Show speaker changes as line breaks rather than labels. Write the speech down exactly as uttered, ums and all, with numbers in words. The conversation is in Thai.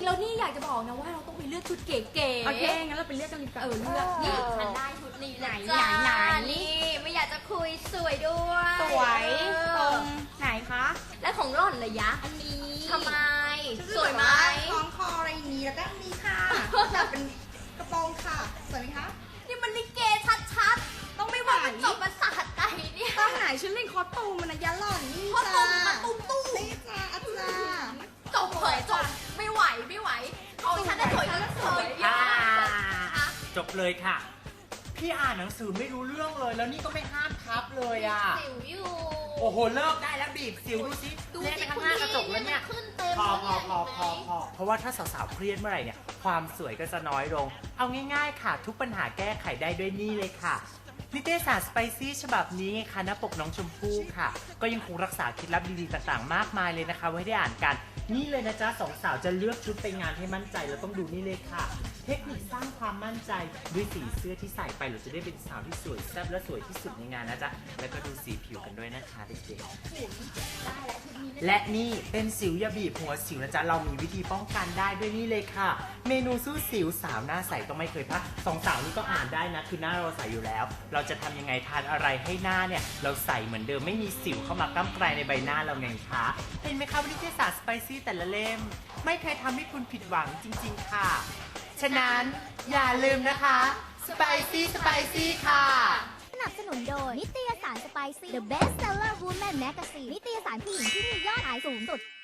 แล้วนี่อยากจะบอกนะว่าเราต้องไปเลือกชุดเก๋ๆ
โอเคงั้นเราไปเลือกกันดีกว่า
เออเลือกนี่ฉันได้ชุดนี้ไหน
ไหนไหน
นี่ไม่อยากจะคุยสวยด้วย
สวยตรง
เออ
ไหนคะ
และของหล่อนเลยยะ
อันนี้
ทำไมสวยไหม
คล้องคออะไรอย่างนี้แล้วก็มีค่ะแบบเป็นกระโปรงค่ะสวยไหมคะ
นี่มันลิเกชัดๆต้องไม่หวังมันจบประสาทใจเนี่ย
ต้องไหนชุดเล่นคอสตูมมันนะยะหล่อนนี่
เพราะ
จ้า
ตุ่มมาตุ้มตุ้ม
นี่จ้าอาจารย์
จบเผยจบไม่ไหวไม่ไหวของฉันได้สวยก็สวย
อ่า
อะ
จบเลยค่ะ พี่อ่านหนังสือไม่รู้เรื่องเลย แล้วนี่ก็ไม่ห้ามทับเลยอ่ะ
สิวอยู่
โอ้โห เลิกได้แล้วบีบสิวดูสิ
ดู
เล่น
สิ
ไปข้างหน้ากระจกแล้วเนี่ย
ขึ้นเต็ม
พอพอพอ
เลย
พอพอเพราะว่าถ้าสาวๆเครียดเมื่อไหร่เนี่ย ความสวยก็จะน้อยลง เอาง่ายๆค่ะ ทุกปัญหาแก้ไขได้ด้วยนี่เลยค่ะ นิตยสารสไปซี่ฉบับนี้ไงคะหน้าปกน้องชมพู่ค่ะ ก็ยังคงรักษาเคล็ดลับดีๆต่างๆ มากมายเลยนะคะ ไว้ได้อ่านกัน นี่เลยนะจ๊ะสองสาวจะเลือกชุดไปงานให้มั่นใจเราต้องดูนี่เลยค่ะ เทคนิคสร้างความมั่นใจด้วยสีเสื้อที่ใส่ไปเราจะได้เป็นสาวที่สวยแซ่บและสวยที่สุดในงานนะจ๊ะแล้วก็ดูสีผิวกันด้วยนะคะเด็กๆและนี่เป็นสิวอย่าบีบหัวสิวนะจ๊ะเรามีวิธีป้องกันได้ด้วยนี่เลยค่ะ เมนูสู้สิวสาวหน้าใสต้องไม่เคยพลาดสองสาวนี่ก็อ่านได้นะคือหน้าเราใสอยู่แล้ว เราจะทำยังไงทานอะไรให้หน้าเนี่ยเราใสเหมือนเดิมไม่มีสิวเข้ามาก้ำไกลในใบหน้าเราไงคะเห็นไหมคะวิทยาศาสตร์สไปซี่แต่ละเล่มไม่เคยทำให้คุณผิดหวังจริงๆค่ะฉะนั้นอย่าลืมนะคะสไปซี่สไปซี่ค่ะ
สนับสนุนโดยนิตยสารสไปซี่ The Best Seller Woman Magazine นิตยสารผู้หญิงที่มียอดขายสูงสุด